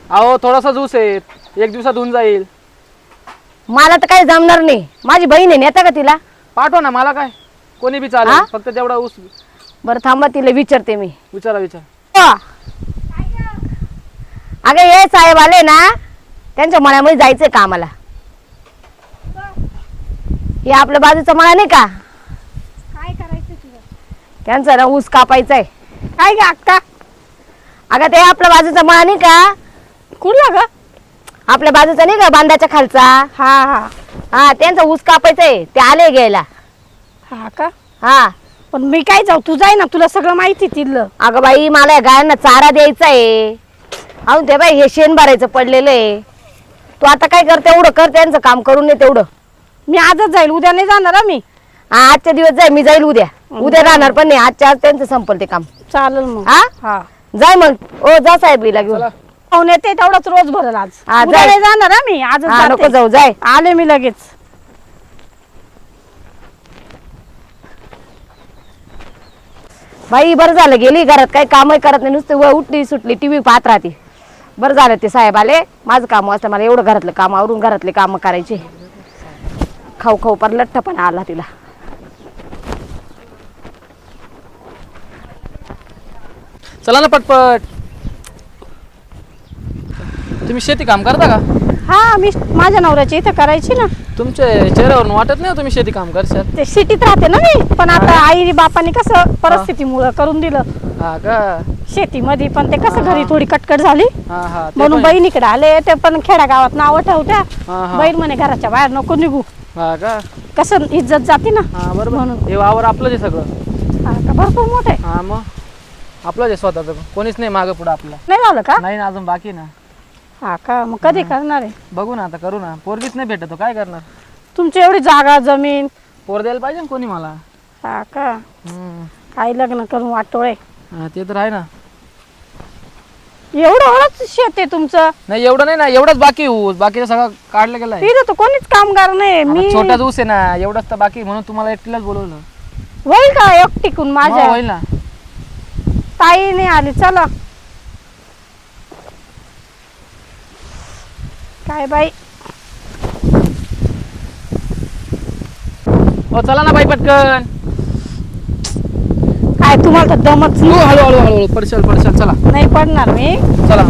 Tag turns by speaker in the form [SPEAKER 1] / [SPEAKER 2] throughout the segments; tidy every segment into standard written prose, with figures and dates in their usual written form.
[SPEAKER 1] अहो थोडासा ज्यूस आहे, एक दिवसात होऊन जाईल.
[SPEAKER 2] मला तर काही जमणार नाही. माझी बहीण आहे, नेता का तिला?
[SPEAKER 1] पाठवा ना, मला काय कोणी बी
[SPEAKER 2] हा?
[SPEAKER 1] चालेल, फक्त तेवढा ऊस.
[SPEAKER 2] बरं थांबा, तिला विचारते मी.
[SPEAKER 1] विचारा विचार.
[SPEAKER 2] अगं हे साहेब आले ना, त्यांच्या मळ्यामध्ये जायचंय का आम्हाला? हे आपल्या बाजूचा मळा नाही का,
[SPEAKER 3] काय करायचं तुला?
[SPEAKER 2] त्यांचा ना ऊस कापायचा आहे.
[SPEAKER 3] काय ग अक्का?
[SPEAKER 2] अगं ते आपल्या बाजूचा मळा नाही का,
[SPEAKER 3] कुठला ग?
[SPEAKER 2] आपल्या बाजूचा नाही का, बांधाच्या खालचा.
[SPEAKER 3] हा हा
[SPEAKER 2] हा, त्यांचा ऊस कापायचा आहे, ते आले घ्यायला.
[SPEAKER 3] हा का?
[SPEAKER 2] हा.
[SPEAKER 3] पण मी काय जाऊ, तू जाय ना, तुला सगळं माहिती तिथलं.
[SPEAKER 2] अगं बाई, मला या गायांना चारा द्यायचा आहे. अहो ते बाई, हे शेण भरायचं पडलेलं आहे. तू आता काय करते, एवढं कर, त्यांचं काम करून ने तेवढं.
[SPEAKER 3] मी आजच जाईल, उद्या नाही जाणार हं मी.
[SPEAKER 2] हा, आजच्या दिवस जाय, मी जाईल उद्या. उद्या राहणार पण नाही, आजच्या आज त्यांचं संपल ते काम.
[SPEAKER 3] चालेल मग.
[SPEAKER 2] हा,
[SPEAKER 3] हा
[SPEAKER 2] जाय मग. ओ जा साहेब, हिला घेऊन.
[SPEAKER 1] चला.
[SPEAKER 3] पाहुणे ते तेवढाच रोज भरल आज.
[SPEAKER 2] हा,
[SPEAKER 3] उद्या
[SPEAKER 2] जाय.
[SPEAKER 3] नाही जाणार हं मी, आजच
[SPEAKER 2] हा, नको
[SPEAKER 3] जाते.
[SPEAKER 2] जाऊ, जाय.
[SPEAKER 3] आले मी लगेच.
[SPEAKER 2] बाई बरं झालं, गेली घरात, काही कामही करत नाही, नुसते उठली सुटली टीव्ही पाहत राहते. बरं झालं ते साहेब आले, माझं काम असतं, मला एवढं घरातलं काम आवरून घरातले काम करायचे. खाऊ खाऊ पर लठ्ठपणा आला तिला.
[SPEAKER 1] चला ना पटपट. तुम्ही शेती काम करता का?
[SPEAKER 3] हा, मी माझ्या नवऱ्याची इथं करायची ना.
[SPEAKER 1] तुमच्या चेहऱ्यावरून वाटत नाही हो तुम्ही शेती काम करशाल.
[SPEAKER 3] ते सिटीत राहते ना मी, पण आता आई बापाने कसं परिस्थितीमुळं करून दिलं
[SPEAKER 1] हा का?
[SPEAKER 3] शेतीमध्ये. पण ते कसं
[SPEAKER 1] हा.
[SPEAKER 3] घरी थोडी कटकट झाली,
[SPEAKER 1] हा हा, ते
[SPEAKER 3] म्हणून
[SPEAKER 1] पण-
[SPEAKER 3] बहिणीकडे आले. ते पण खेड्यागावात नावं ठेवत्या,
[SPEAKER 1] हा हा.
[SPEAKER 3] बहीण म्हणे घराच्या बाहेर नको निघू,
[SPEAKER 1] हा का?
[SPEAKER 3] कसं इज्जत जाते ना.
[SPEAKER 1] हा बरोबर.
[SPEAKER 3] म्हणून.
[SPEAKER 1] हे वावर आपलंच आहे सगळं.
[SPEAKER 3] हा का? भरपूर मोठे
[SPEAKER 1] हा मग आपलंच आहे स्वतःच, कोणीच नाही मागं पुढं आपलं.
[SPEAKER 3] नाही झालं का?
[SPEAKER 1] नाही ना, अजून बाकी ना.
[SPEAKER 3] हा का? मग कधी करणार आहे?
[SPEAKER 1] बघू ना, आता करू ना. पोरगीच नाही भेटत, काय करणार?
[SPEAKER 3] तुमची एवढी जागा जमीन.
[SPEAKER 1] पोर द्यायला पाहिजे ना कोणी मला.
[SPEAKER 3] हा का?
[SPEAKER 1] हम्म.
[SPEAKER 3] काही लग्न करून वाटोळे.
[SPEAKER 1] हा, ते तर आहे ना.
[SPEAKER 3] एवढं शेत आहे तुमचं?
[SPEAKER 1] नाही एवढं नाही ना, एवढंच बाकी ऊस, बाकीचं सगळं काढलं गेलंय.
[SPEAKER 3] तिथं तर कोणीच कामगार नाही. मी
[SPEAKER 1] छोटाच ऊस आहे ना, एवढंच तर बाकी, म्हणून तुम्हाला एकटीलाच बोलवलं.
[SPEAKER 3] होईल का एकटीकून?
[SPEAKER 1] मग
[SPEAKER 3] माझ्या
[SPEAKER 1] होईल ना.
[SPEAKER 3] ताई नाही आली. चला काय बाई.
[SPEAKER 1] हो चला ना बाई पटकन.
[SPEAKER 3] काय तुम्हाला तर दमच
[SPEAKER 1] हळू हळू हळू हळू पडशाल पडशाल. चला
[SPEAKER 3] नाही पडणार मी.
[SPEAKER 1] चला.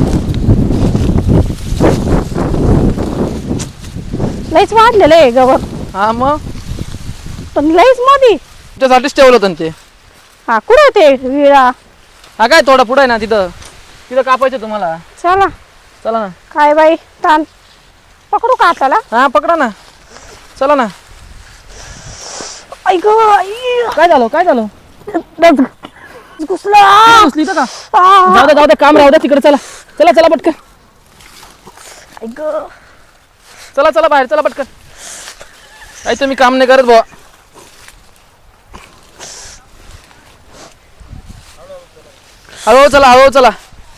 [SPEAKER 3] लईच वाढलेलं आहे गवत,
[SPEAKER 1] हा मग
[SPEAKER 3] पण लईच मधी.
[SPEAKER 1] तुमच्यासाठीच ठेवलं होतं ना ते.
[SPEAKER 3] हा कुठे ते विळा?
[SPEAKER 1] हा काय थोडा पुढं आहे ना, तिथं तिथं कापायचं तुम्हाला.
[SPEAKER 3] चला.
[SPEAKER 1] चला ना.
[SPEAKER 3] काय बाई, ताण पकडू का हाताला?
[SPEAKER 1] हा पकडा ना, चला ना.
[SPEAKER 3] ऐक
[SPEAKER 1] काय झालं काय झालं?
[SPEAKER 3] घुसला.
[SPEAKER 1] घुसली इथं का? जाऊ दे काम राहू दे तिकडे. चला चला चला पटकन.
[SPEAKER 3] ऐक
[SPEAKER 1] चला चला बाहेर चला पटकन. काही तुम्ही काम नाही करत बुवा. हळू चला हळू चला.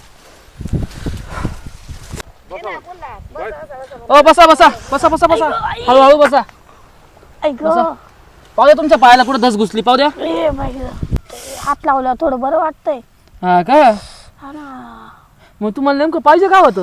[SPEAKER 1] हो बसा बसा बसा बसा बसा. हळू हळू बसा.
[SPEAKER 3] ऐक
[SPEAKER 1] पाहू द्या तुमच्या पायाला कुठं धस घुसली, पाहू द्या.
[SPEAKER 3] ए बाई, हात लावला थोडं बरं वाटतंय.
[SPEAKER 1] हा का?
[SPEAKER 3] हा ना.
[SPEAKER 1] मग तुम्हाला नेमकं पाहिजे काय होतं?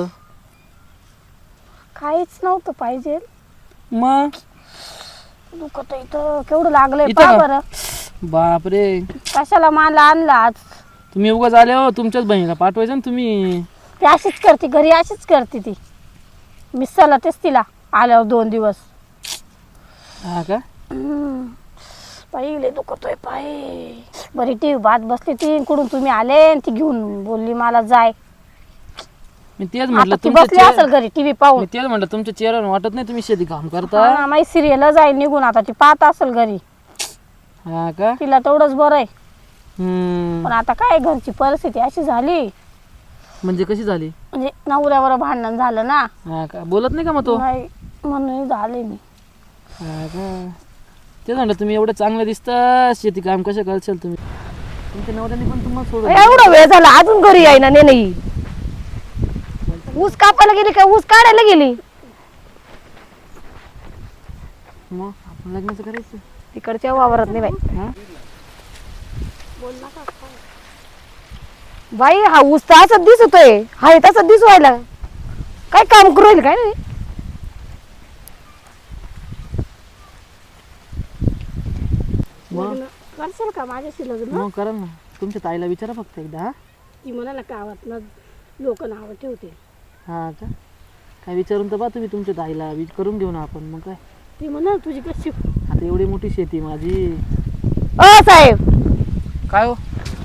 [SPEAKER 3] काहीच नव्हतं पाहिजे.
[SPEAKER 1] मग
[SPEAKER 3] दुखत इथं केवढं लागलंय
[SPEAKER 1] इथं
[SPEAKER 3] पहा
[SPEAKER 1] का?
[SPEAKER 3] बरं.
[SPEAKER 1] बापरे,
[SPEAKER 3] कशाला मला आणला आज?
[SPEAKER 1] तुम्ही उगाच आले हो. तुमच्याच बहिणीला पाठवायचं ना तुम्ही.
[SPEAKER 3] ती अशीच करते घरी, अशीच करते ती. मी तेच तिला आल्यावर 2 दिवस.
[SPEAKER 1] हा का?
[SPEAKER 3] पाय लय दुखतोय पाय. बरी ती बात बसली ती, कुठून तुम्ही आले आणि ती घेऊन बोलली मला जाय.
[SPEAKER 1] मी तेच म्हटलं
[SPEAKER 3] आता ती बसली असेल घरी टीव्ही पाहून.
[SPEAKER 1] मी तेच म्हटलं तुमच्या चेहऱ्यावर वाटत नाही तुम्ही शेती काम करता.
[SPEAKER 3] हा, माझी सिरियल जाईल निघून. आता ती पाहत असेल घरी.
[SPEAKER 1] हा का?
[SPEAKER 3] तिला तेवढंच बरं आहे.
[SPEAKER 1] हम्म.
[SPEAKER 3] पण आता काय, घरची परिस्थिती अशी झाली,
[SPEAKER 1] म्हणजे कशी झाली?
[SPEAKER 3] म्हणजे नवऱ्यावर भांडण झालं ना.
[SPEAKER 1] हा का? बोलत नाही का मग तो?
[SPEAKER 3] नाही म्हणून झाले मी.
[SPEAKER 1] हा का? तेच म्हटलं तुम्ही एवढं चांगलं दिसतं, शेती काम कसं करशाल तुम्ही? तुमच्या नवऱ्याने पण तुम्हाला सोडून
[SPEAKER 2] एवढा वेळ झाला अजून घरी यायना. नाही ऊस कापायला गेली का ऊस काढायला गेली?
[SPEAKER 1] मग आपण लग्नाचं करायचं.
[SPEAKER 2] तिकडच्या वावरत नाही बाई.
[SPEAKER 1] हा?
[SPEAKER 2] बाई हा ऊस तर असंच दिसतोय, हा हे तसंच दिसू राहिला. काय काम करू राहील काय नाही.
[SPEAKER 1] मग
[SPEAKER 3] करशाल का माझ्याशी लग्न?
[SPEAKER 1] मग करा ना. तुमच्या ताईला विचारा फक्त एकदा. हा
[SPEAKER 3] ती म्हणा ना गावात ना लोक नावं ठेवते.
[SPEAKER 1] हा का काय विचारून तर बा तुम्ही तुमच्या ताईला करून घेऊ ना आपण. मग काय
[SPEAKER 3] ती म्हणा तुझी कशी
[SPEAKER 1] आता एवढी मोठी शेती माझी.
[SPEAKER 2] साहेब
[SPEAKER 1] काय हो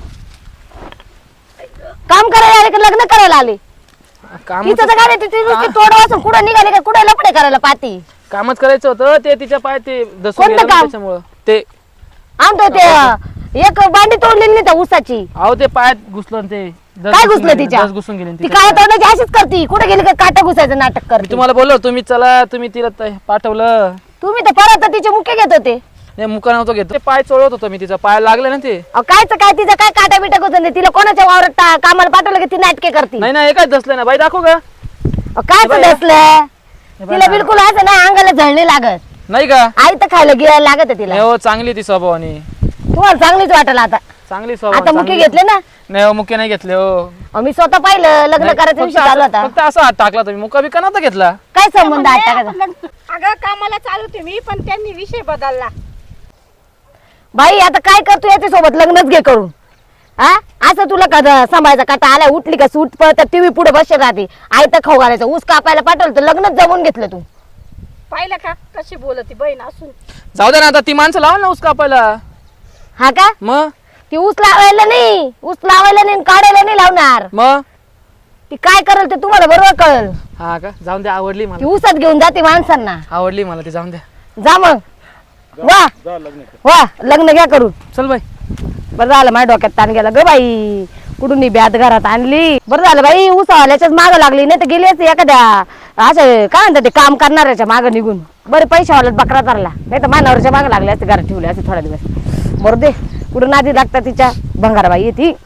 [SPEAKER 2] काम करायला आले का लग्न करायला आले?
[SPEAKER 1] काम
[SPEAKER 2] तिचं तर काय तिथे नुसती तोड वाचून कुठं निघाले का कुठं लपडे करायला पाहती?
[SPEAKER 1] कामच करायचं होतं ते तिच्या पाय ते दसून
[SPEAKER 2] कोणतं
[SPEAKER 1] गेलं ना
[SPEAKER 2] काम?
[SPEAKER 1] त्याच्यामुळं ते
[SPEAKER 2] आमचं ते एक बांडी तोडलेली नाही त्या ऊसाची.
[SPEAKER 1] अहो ते पायात घुसलं ना ते
[SPEAKER 2] काय घुसलं तिच्या?
[SPEAKER 1] घुसून गेले ना
[SPEAKER 2] ती
[SPEAKER 1] तिच्या
[SPEAKER 2] काय
[SPEAKER 1] पायात.
[SPEAKER 2] तोडण्याची अशीच करती, कुठे गेली का काटा घुसायचं नाटक
[SPEAKER 1] मी
[SPEAKER 2] करते.
[SPEAKER 1] तुम्हाला बोललो तुम्ही चला तुम्ही तिला पाठवलं.
[SPEAKER 2] तुम्ही तर परत तिचे मुख्य घेत होते.
[SPEAKER 1] नाही मुका नव्हतं घेत ते पाय चोळत होतो मी तिचा पाय लागले ना ते.
[SPEAKER 2] कायच काय तिचं काय काटा बिटा घुसून तिला कोणाच्या वावरात कामाला पाठवलं की ती नाटके करते.
[SPEAKER 1] नाही ना एकाच दसलं ना बाई दाखव का
[SPEAKER 2] काय
[SPEAKER 1] बाई,
[SPEAKER 2] दसलं
[SPEAKER 1] हे बाई,
[SPEAKER 2] तिला बिलकुल असं ना अंगाला झळणे लागत.
[SPEAKER 1] नाही का
[SPEAKER 2] आई तर खायला गिळायला लागत आहे तिला.
[SPEAKER 1] नाही हो चांगली ती स्वभावानी
[SPEAKER 2] तुम्हाला चांगलीच वाटेल आता.
[SPEAKER 1] चांगली स्वभाव
[SPEAKER 2] आता मुख्य घेतले ना.
[SPEAKER 1] नाही हो मुके नाही घेतले हो.
[SPEAKER 2] मी स्वतः पाहिलं लग्न
[SPEAKER 1] नाही,
[SPEAKER 2] करायचा
[SPEAKER 1] फक्त
[SPEAKER 2] विषय चालू
[SPEAKER 1] असं-
[SPEAKER 2] होता.
[SPEAKER 1] फक्त असा हात टाकला तुम्ही मुका बिका नव्हता घेतला.
[SPEAKER 2] काय संबंध आहे टाकायचा?
[SPEAKER 3] अगं कामाला चालू होते मी पण त्यांनी विषय बदलला.
[SPEAKER 2] बाई आता काय करतो याच्या सोबत लग्नच घे करून. हा असं तुला का सांभाळायचा काटा आला उठली का सूट पळत टीव्ही पुढे बसत राहते. आई तर खाऊ घालायचं ऊस कापायला पाठवलं तर लग्नच जमून घेतलं तू.
[SPEAKER 3] पाहिलं का कशी बोलती बहीण असून.
[SPEAKER 1] जाऊ दे ना आता ती माणसं लावा ना ऊस कापायला.
[SPEAKER 2] हा का
[SPEAKER 1] मग
[SPEAKER 2] ती ऊस लावायला नाही, ऊस लावायला नाही आणि काढायला नाही लावणार.
[SPEAKER 1] मग
[SPEAKER 2] ती काय करेल ते तुम्हाला बरोबर कळेल.
[SPEAKER 1] हा का जाऊन द्या आवडली
[SPEAKER 2] ती
[SPEAKER 1] मला.
[SPEAKER 2] ऊसात घेऊन जाते माणसांना.
[SPEAKER 1] आवडली मला ती जाऊन द्या.
[SPEAKER 2] जा मग वा वा लग्न घ्या करून.
[SPEAKER 1] चल बाई
[SPEAKER 2] बरं झालं माझ्या डोक्यात ताण गेला ग बाई. कुठून ही ब्यात घरात आणली. बरं झालं बाई ऊसावाल्याच्याच मागं लागली नाही तर गेली असते एखाद्या असं काय म्हणतात ते काम करणाऱ्याच्या मागं निघून. बरे पैशावाल्यात बकरा धरला नाही तर मानावरच्या मागं लागले असते घरात ठेवले असते थोडा दिवस. बरं दे कुठून आधी लागतात तिच्या भंगारबाई येते.